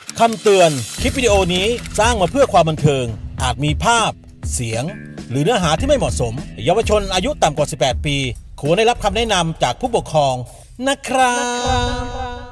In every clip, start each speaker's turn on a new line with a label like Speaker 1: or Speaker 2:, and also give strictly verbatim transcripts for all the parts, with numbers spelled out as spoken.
Speaker 1: คำเตือนคลิปวิดีโอนี้สร้างมาเพื่อความบันเทิงอาจมีภาพเสียงหรือเนื้อหาที่ไม่เหมาะสมเยาวชนอายุต่ำกว่าสิบแปดปีควรได้รับคำแนะนำจากผู้ปกครองนะครับ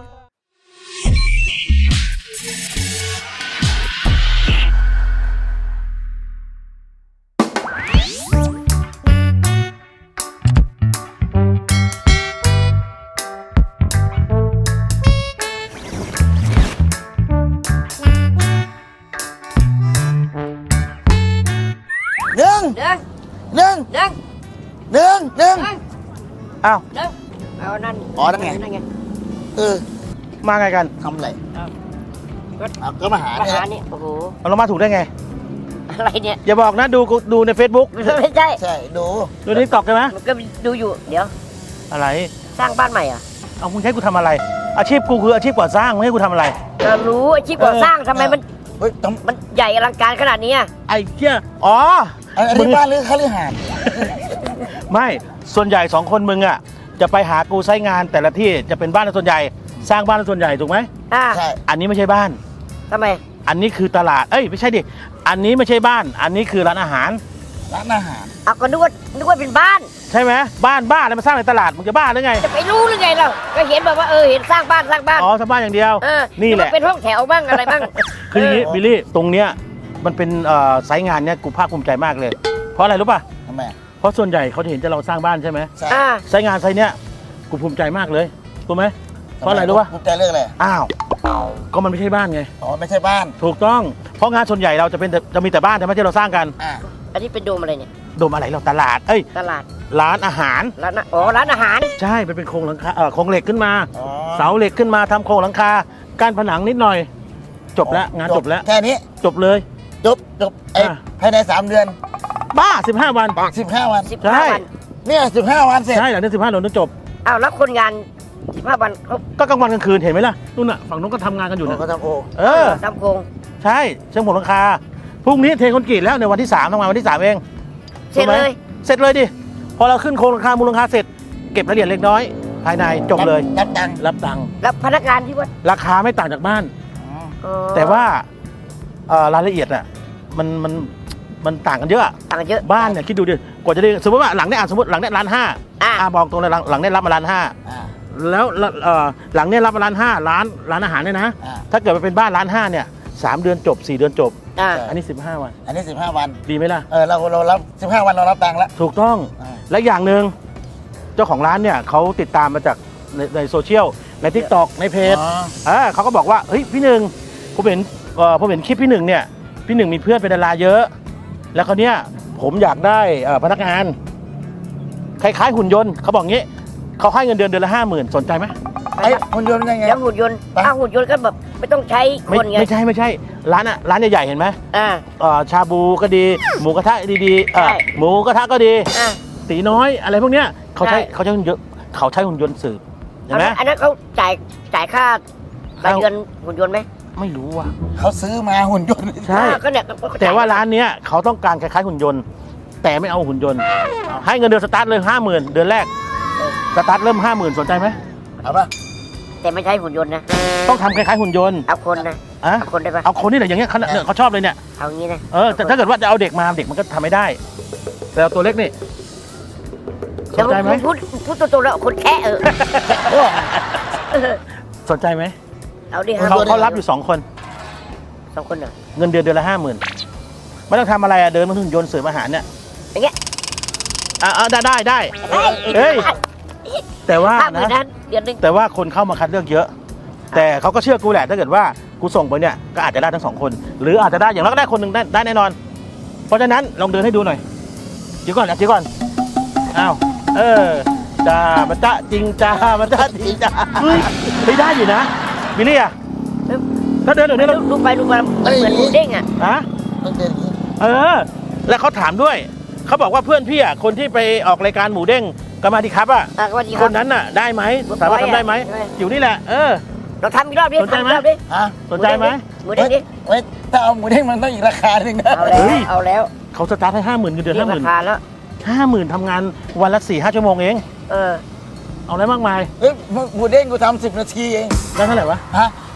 Speaker 2: หนึ่ง
Speaker 3: หนึ่ง
Speaker 2: หนึ่ง
Speaker 3: หนึ่ง
Speaker 2: หนึ่งหนึ่ง
Speaker 3: หนึ่ง
Speaker 2: อ้าว
Speaker 3: หนึ่งเอานั่น
Speaker 2: อ๋อนั่นไง
Speaker 3: นั่นไง
Speaker 2: เออ
Speaker 4: มาไงกัน
Speaker 2: ทำอะไร
Speaker 3: เอา
Speaker 2: เอาก็มาหา
Speaker 3: ปัญ
Speaker 2: เนี่ย
Speaker 3: หานี่โอ้โห
Speaker 4: เอาเรามาถูกได้ไง
Speaker 3: อะไรเนี่ย
Speaker 4: อย่าบอกนะดูดูใน Facebook
Speaker 3: ไม่ใช่
Speaker 2: ใช่ดู
Speaker 4: ดูในทิกตอกใช่ไหม
Speaker 3: มันก็ดูอยู่เดี๋ยว
Speaker 4: อะไร
Speaker 3: สร้างบ้านใหม่เหรอ่ะ
Speaker 4: เอามึงให้กูทำอะไร อาชีพกูคืออาชีพก่อสร้างมึงให้กูทำอะไร
Speaker 3: ก็รู้อาชีพก่อสร้างทำไมมัน
Speaker 2: เฮ้ยท
Speaker 3: มันใหญ่อลังการขนาดนี้อะ
Speaker 4: ไอ้เหี้ยอ๋อ
Speaker 2: ำอัน
Speaker 4: มึ
Speaker 2: นี้
Speaker 4: ง
Speaker 2: บ้านหรือคฤหาสน์
Speaker 4: ไม่ส่วนใหญ่สองคนมึงอ่ะจะไปหากูใช้งานแต่ละที่จะเป็นบ้านส่วนใหญ่ สร้างบ้านส่วนใหญ่ถูกไหม
Speaker 3: อ่า
Speaker 2: ใช่
Speaker 4: อันนี้ไม่ใช่บ้าน
Speaker 3: ทำไม
Speaker 4: อันนี้คือตลาดเอ้ยไม่ใช่ดิอันนี้ไม่ใช่บ้าน อันนี้คือร้านอาหาร
Speaker 2: ร้านอาหาร
Speaker 3: เอาก็นึกว่านึกว่าเป็นบ้าน
Speaker 4: ใช่ไหมบ้านบ้านอะไรมาสร้างในตลาดมึงจะบ้าหรือไง
Speaker 3: จะไปรู้หรือไงเราก็เห็นบอกว่าเออเห็นสร้างบ้านสร้างบ้าน
Speaker 4: อ๋อสร้างบ้านอย่างเดียว
Speaker 3: เออ
Speaker 4: นี่แหละ
Speaker 3: กว่าเป็นห้องแถวบ้างอะไรบ้าง
Speaker 4: คืออย่างนี้บิลลี่ตรงเนี้ยมันเป็นเอ่อไซต์งานเนี้ยกูภาคภูมิใจมากเลย เพราะอะไรรู้ป่ะ
Speaker 2: ทำไมอ่ะ
Speaker 4: เพราะส่วนใหญ่เขาจะเห็นจะเราสร้างบ้านใช่ไหม
Speaker 2: ใช่
Speaker 3: อ่า
Speaker 4: ไซต์งานไซต์เนี้ยกูภูมิใจมากเลยถูกไหมเพราะอะไรรู้ป่ะ
Speaker 2: ภูมิใจเรื่องอะไร
Speaker 4: อ้าวก็มันไม่ใช่บ้านไง
Speaker 2: อ๋อไม่ใช่บ้าน
Speaker 4: ถูกต้องเพราะงานส่วนใหญ่เราจะเป็นแต่จะมีแต่บ้านใช่ไหมที่เราสร้างกัน
Speaker 2: อ่า
Speaker 3: อันนี้เป็นโดมอะไรเนี่ย
Speaker 4: โดมอะไรเราตลาดเอ้ย
Speaker 3: ตลาด
Speaker 4: ร้านอาหาร
Speaker 3: ร้านอาอ๋อร้านอาหาร
Speaker 4: ใช่มันเป็นโครงหลังคาเออโครงเหล็กขึ้นมา
Speaker 2: อ๋อ
Speaker 4: เสาเหล็กขึ้นมาทำโครงหลังคาการผนังนิดหน่อย จบแล้วงานจบแล้ว
Speaker 2: แค่นี้
Speaker 4: จบเลย
Speaker 2: จบจบไอ้
Speaker 4: อ่ะ
Speaker 2: ภายในสามเดือน
Speaker 4: บ้าสิบห้าวัน
Speaker 2: สิบห้าวัน
Speaker 3: สิบ
Speaker 4: ใช่
Speaker 3: ห้าวัน
Speaker 2: เนี่ยสิบห้าวันเสร็จ
Speaker 4: ใช่หลังจากสิบห้าวันต้องจบ
Speaker 3: อ้าวแล้วคนงานสิบห้าวันเขา
Speaker 4: ก็กลางวันกลางคืนเห็นไหมล่ะนู่นน่ะฝั่งนู้นก็ทำงานกันอยู่
Speaker 2: ผม
Speaker 4: นะ
Speaker 2: ก็ทำโอ
Speaker 4: เออ
Speaker 3: ทำโครง
Speaker 4: ใช่เชิงผมหลังคาพรุ่งนี้เทคอนกรีตแล้วในวันที่สามทำงานวันที่สามเอง
Speaker 3: เสร็จ
Speaker 4: ถูกไหม
Speaker 3: เลย
Speaker 4: เสร็จเลยดิพอเราขึ้นโครงหลังคามูลหลังคาเสร็จเก็บรายละเอียดเล็กน้อย ภายในจบเลย
Speaker 2: รับตังค์
Speaker 4: รับตังค์
Speaker 3: แล้วพนักงานที่ว่า
Speaker 4: ราคาไม่ต่างจากบ้าน
Speaker 2: อ๋อ
Speaker 3: อ๋อ
Speaker 4: แต่ว่าเอ่อรายละเอียดอ่ะมันมันมันต่างกันเยอะ
Speaker 3: ต่างกันเยอะ
Speaker 4: บ้านเนี่ยคิดดูดิกว่าจะได้สมมติว่าหลังเนี้ยอ่ะสมมติหลังเนี้ยล้านห้า
Speaker 3: อ่า
Speaker 4: อ่ะบอกตรงเลยหลังหลังเนี้ยรับมาล้านห้า
Speaker 2: อ่า
Speaker 4: แล้วเอ่อหลังเนี้ยรับมาล้านห้าล้านร้านอาหารเนี่ยนะ
Speaker 2: อ่า
Speaker 4: ถ้าเกิดมันเป็นบ้านล้านห้าเนี่ยสามเดือนจบสี่เดือนจบ
Speaker 3: อ่า
Speaker 4: อันนี้สิบห้าวัน
Speaker 2: อันนี้สิบห้าวัน
Speaker 4: ดีไหมล่ะ
Speaker 2: เออเราเรารับสิบห้าวันเรารับตังค์แล้ว
Speaker 4: ถูกต้อง
Speaker 2: อ่า
Speaker 4: และอย่างหนึ่งเจ้าของร้านเนี่ยเขาติดตามมาจากในในโซเชียลในทิกตอกในเพจ
Speaker 2: อ๋อ
Speaker 4: เออเขาก็บอกว่าเฮ้ยพี่หนึ่งผมเห็นเอ่อผมเห็นคลิปพี่หนึ่งเนี่ยพี่หนึ่งมีเพื่อนเป็นดาราเยอะ แล้วเขาวเนี่ยผมอยากได้เอ่อพนักงานคล้ายๆหุ่นยนต์เขาบอกงี้เขาให้เงินเดือนเดือนละห้าหมื่นสนใจไหม
Speaker 2: ไอ้หุ่นยนต์ยังไง
Speaker 3: แล้วหุ่นยนต์
Speaker 2: ไป
Speaker 3: อ้าวหุ่นยนต์ก็แบบไม่ต้องใช้
Speaker 4: ไม่
Speaker 3: คนไง
Speaker 4: ไม่ใช่ไม่ใช่ร้านอะร้านใหญ่ๆเห็นไหม
Speaker 3: อ่า
Speaker 4: เอ่อชาบูก็ดี หมูกระทะดีๆเอ่อ
Speaker 3: ใช่
Speaker 4: หมูกระทะก็ดี
Speaker 3: อ่า
Speaker 4: ตีน้อยอะไรพวกเนี้ยเขาใช้
Speaker 3: ใช่
Speaker 4: เขาใช้หุ่นยนต์เขาใช้หุ่นยนต์สืบเห็นไหม
Speaker 3: อันนั้นเขาจ่ายจ่ายค่าราย
Speaker 4: เอา
Speaker 3: เดือนหุ่นยนต์ไหม
Speaker 4: ไม่รู้ว่ะ
Speaker 2: เขาซื้อมาหุ่นยนต์
Speaker 4: ใช่
Speaker 3: อ่าก็เนี่ยก็จ่ย
Speaker 4: แต่ว่าร้านเนี้ยเขาต้องการคล้ายๆหุ่นยนต์ แต่ไม่เอาหุ่นยนต์ ให้เงินเดือนสตาร์ทเลยห้าหมื่นเดือนแรกสตาร์ทเริ่มห้าหมื่นสนใจไหม
Speaker 2: เอาป่ะ
Speaker 3: แต่ไม่ใช่หุ่นยนต์นะ
Speaker 4: ต้องทำคล้ายๆหุ่นยนต์
Speaker 3: เอาคนนะ
Speaker 4: อะ
Speaker 3: เอาคนได้ปะ
Speaker 4: เอาคนนี่แหละอย่างเงี้ยเขาเนี่ยเขาชอบเลยเนี่ย
Speaker 3: เอางี้นะ
Speaker 4: เออแต่ถ้าเกิดว่าจะเอาเด็กมาเด็กมันก็ทำไม่ได้ แต่เอาตัวเล็กนี่ส
Speaker 3: เดี๋ย
Speaker 4: น
Speaker 3: ว
Speaker 4: ใจไหม
Speaker 3: พูดพูดตัวๆแล้วคนแค่เออ
Speaker 2: โอ้
Speaker 4: สนใจไหม
Speaker 3: เอาดิ
Speaker 4: เขาเขารับอยู่สองคน
Speaker 3: สองคนเหรอ
Speaker 4: เงินเดือนเดือนละห้าหมื่นไม่ต้องทำอะไรอะเดินมาถึงยนต์เสิร์ฟอาหารเนี่ย
Speaker 3: อย่างเงี้ย
Speaker 4: อ่ะอ่ะได้ได้ได้ เฮ้ย แต่ว่า
Speaker 3: ห้าหมื่น
Speaker 4: นะ
Speaker 3: นั้นเดือนหนึง
Speaker 4: แต่ว่าคนเข้ามาคัดเลือกเยอะ แต่เขาก็เชื่อกูแหละถ้าเกิดว่ากูส่งไปเนี่ยก็อาจจะได้ทั้งสองคน หรืออาจจะได้อย่างน้อยก็ได้คนหนึ่งได้ได้แน่นอน เพราะฉะนั้นลองเดินให้ดูหน่อยเดี๋ยวก่อนนะเดี๋ยวก่อนอ้าวเออจ้ามันจ้าจริงจ้ามันจ้าจริงจ้าเฮ้ยไม่ได้อยู่นะบิลลี่อะถ้าเดินเดี๋ยวนี้เรา
Speaker 3: ดูไปดูมาเหมือนหมูเด้งอ่ะ
Speaker 4: ฮะ
Speaker 2: ต้องเดินอย่างนี้
Speaker 4: เออ แล้วเขาถามด้วยเขาบอกว่าเพื่อนพี่อะคนที่ไปออกรายการหมูเด้งก็มาดีครับอะ
Speaker 3: อ่ะสวัสดีค
Speaker 4: ครับ นนั้นน่ะได้ไหมสามารถทำได้ไหม
Speaker 3: ใช่
Speaker 4: อยู่นี่แหละเออ
Speaker 3: เราทำอีกรอบดิ
Speaker 4: สนใจไหม
Speaker 3: ทำอีกรอบดิ
Speaker 2: ฮะ
Speaker 4: สนใจไหม
Speaker 3: หมูเด้งดิ
Speaker 2: เว้ยถ้าเอาหมูเด้งมันต้องอีกราคาหนึ่งนะ
Speaker 3: เอาแล้วเอาแล้ว
Speaker 4: เขาสตาร์ทให้ห้าหมื่นเงินเดือน
Speaker 3: เรีย
Speaker 4: ห้าก หมื่
Speaker 3: ราน คาแล้ว
Speaker 4: ห้าหมื่นทำงานวันละสี่ห้าชั่วโมงเอง
Speaker 3: เออ
Speaker 4: เอาอะไรมากมาย
Speaker 2: เฮ้ยหมูเด้งกูทำสิบนาทีเอง
Speaker 4: ได้เท่าไหร่วะ
Speaker 2: ฮะ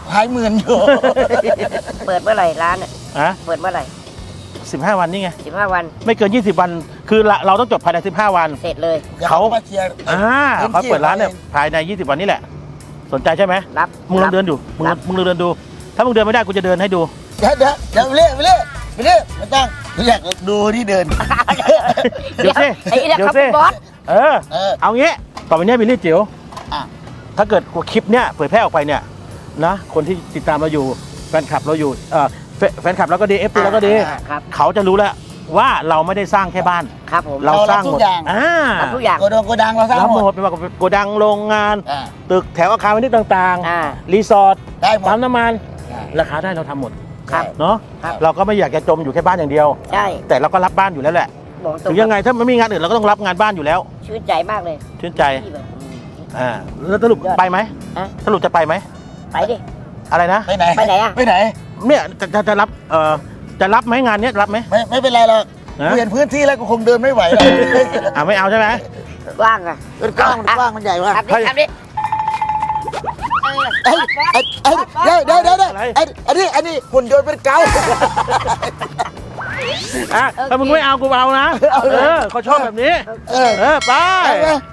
Speaker 2: หายหมื่นอยู่
Speaker 3: เปิดเมื่อไหร่ร้านอ่ะ
Speaker 4: อะ
Speaker 3: เปิดเมื่อไหร่
Speaker 4: สิบห้าวันนี่ไง
Speaker 3: สิบห้าวัน
Speaker 4: ไม่เกินยี่สิบวัน คือเราเราต้องจบภายในสิบห้าวัน
Speaker 3: เสร็จเลย
Speaker 4: เขา
Speaker 2: มาเคลียร์
Speaker 4: อ่าเขาเปิดร้านเนี่ยภายในยี่สิบวันนี่แหละ สนใจใช่ไหม
Speaker 3: รับ
Speaker 4: มึงลองเดินดูมึง
Speaker 3: รับ
Speaker 4: มึงลองเดินดู ถ้ามึงเดินไม่ได้กูจะเดินให้ดู
Speaker 2: เดี๋ยวเดี๋ยวเดี๋ยวไปเรื่อยไปเรื่อยไปเรื่อยไม่ต้องอยากดูที่เดิน
Speaker 4: เดี๋ยวสิ
Speaker 3: ไอ้นี่แหละ
Speaker 4: เดี๋ยว
Speaker 3: ครับ
Speaker 4: สิ
Speaker 3: คุณบอส
Speaker 4: เออ
Speaker 2: เออ
Speaker 4: เอางี้ ต่อไปเนี้ยบิลลี่จิ๋ว
Speaker 2: อ่ะ
Speaker 4: ถ้าเกิดคลิปเนี้ยเผยแพร่ออกไปเนี่ยนะ คนที่ติดตามเราอยู่ แฟนคลับเราอยู่เออแฟแฟนคลับเราก็ดี เอฟซีเราก็ดี
Speaker 3: อ่าครับ
Speaker 4: เขาจะรู้แล้วว่าเราไม่ได้สร้างแค่บ้าน
Speaker 3: ครับผม
Speaker 4: เราสร้างหมด
Speaker 2: เรารับทุกอย่าง
Speaker 4: อ่า
Speaker 3: รับทุกอย่าง
Speaker 2: โกดังโกดังเราสร้าง
Speaker 4: รับ
Speaker 2: ห
Speaker 4: ห
Speaker 2: ม
Speaker 4: ม
Speaker 2: ด
Speaker 4: ดไม่ว่าโกดังโรงงาน
Speaker 2: อ่า
Speaker 4: ตึกแถวอาคารพาณิชย์ต่าง
Speaker 3: อ่า
Speaker 4: ๆ รีสอร์ท
Speaker 2: ได้หมด
Speaker 4: ปั๊มน้ำมัน
Speaker 2: อ่า
Speaker 4: ราคาได้เราทำหมด
Speaker 3: ครับ
Speaker 4: เนาะ
Speaker 3: ครับ
Speaker 4: เราก็ไม่อยากจะจมอยู่แค่บ้านอย่างเดียว
Speaker 3: ใช่
Speaker 4: แต่เราก็รับบ้านอยู่แล้วแหละ
Speaker 3: บอกตร
Speaker 4: ถึ
Speaker 3: ง
Speaker 4: งยังไงถ้าไม่มีงานอื่นเราก็ต้องรับงานบ้านอยู่แล้ว
Speaker 3: ชื่นใจมากเลย
Speaker 4: ชื่นใจ
Speaker 3: ที่แบบอืม
Speaker 4: อ่าแล้วสรุป
Speaker 3: ยอด
Speaker 4: ไปไหม
Speaker 3: ฮะ
Speaker 4: สรุปจะไปไหม
Speaker 3: ไปดิ
Speaker 4: อะไรนะ
Speaker 2: ไปไหน
Speaker 3: ไปไหนอะ
Speaker 2: ไปไหน
Speaker 4: เนี่ยจะจะจะรับเอ่อจะรับไหมงานเนี้ยรับไหม
Speaker 2: ไม่ไม่เป็นไรหรอก
Speaker 4: ฮะ
Speaker 2: เปลี่ยนพื้นที่แล้วก็คงเดินไม่ไหวหรอก
Speaker 4: อ่าไม่เอาใช่ไหม
Speaker 3: กว้างอะ
Speaker 2: มันกว้างมันกว้างมันใหญ่มาก
Speaker 3: ทำดิทำดิเออ
Speaker 2: ไอ้ไอ้ไอ้เดี๋ยวเดี๋ยวเดี๋ยวเดี๋ยวไอ้อันนี้อันนี้หุ่นยนต์เป็นเกา
Speaker 4: อ่ะถ้ามึงไม่เอากูเอานะ
Speaker 2: เอาเลย
Speaker 4: เออเขาชอบแบบนี้
Speaker 2: เออ
Speaker 4: เออไป
Speaker 2: ไปไป